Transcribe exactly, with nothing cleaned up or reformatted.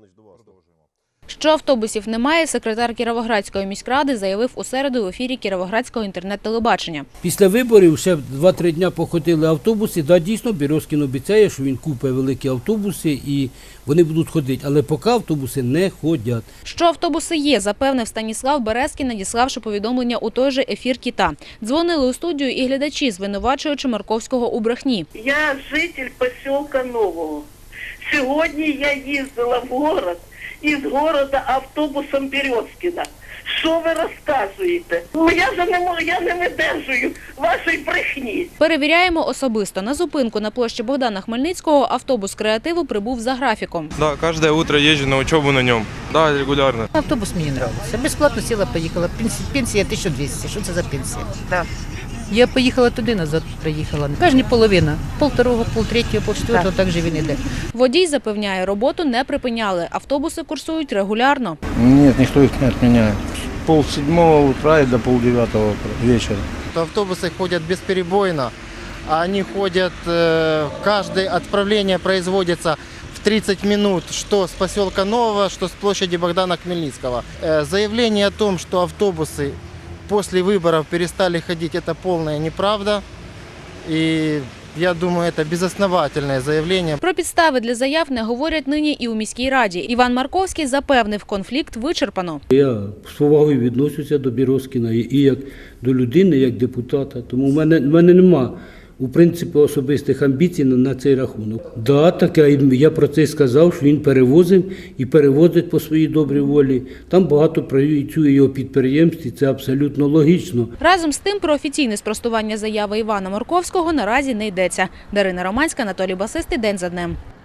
Що автобусів немає, секретар Кіровоградської міськради заявив у середу в ефірі Кіровоградського інтернет-телебачення. Після виборів ще два-три дні походили автобуси. Да, дійсно, Березкін обіцяє, що він купить великі автобуси і вони будуть ходити. Але поки автобуси не ходять. Що автобуси є, запевнив Станіслав Березкін, надіславши повідомлення у той же ефір Кіта. Дзвонили у студію і глядачі, звинувачуючи Марковського у брехні. Я житель поселка Нового. Сьогодні я їздила в город, із города автобусом Березкіна. Що ви розказуєте? Ну, я вже не можу, я не видержую вашої брехні. Перевіряємо особисто. На зупинку на площі Богдана Хмельницького автобус креативу прибув за графіком. Да, каждое утро езжу на учебу на нем. Да, регулярно. Автобус мені подобається. Безплатно сіла, поїхала. Пенсія тисяча двісті. Що це за пенсія? Да. Я поїхала туди, назад приїхала. Кожні половина. Полторого, полтретього, полчетвертого, так же він іде. Водій запевняє, роботу не припиняли. Автобуси курсують регулярно. Нет, никто их не отменяет. С пол седьмого утра и до полдевятого вечера. Автобусы ходят бесперебойно. Они ходят, каждое отправление производится в тридцать минут, что с поселка Нового, что с площади Богдана Хмельницкого. Заявление о том, что автобусы после выборов перестали ходить, это полная неправда. И я думаю, это безосновательное заявление. Про підстави для заяв не говорять нині і у міській раді. Іван Марковський запевнив, конфлікт вичерпано. Я з повагою відношуся до Березкіна і як до людини, як депутата. Тому в мене, в мене нема, у принципі, особистих амбіцій на, на цей рахунок. Да, таке, я про це сказав, що він перевозив і перевозить по своїй добрій волі. Там багато працює його підприємств, і це абсолютно логічно. Разом з тим, про офіційне спростування заяви Івана Марковського наразі не йдеться. Дарина Романська, Анатолій Басистий, День за днем.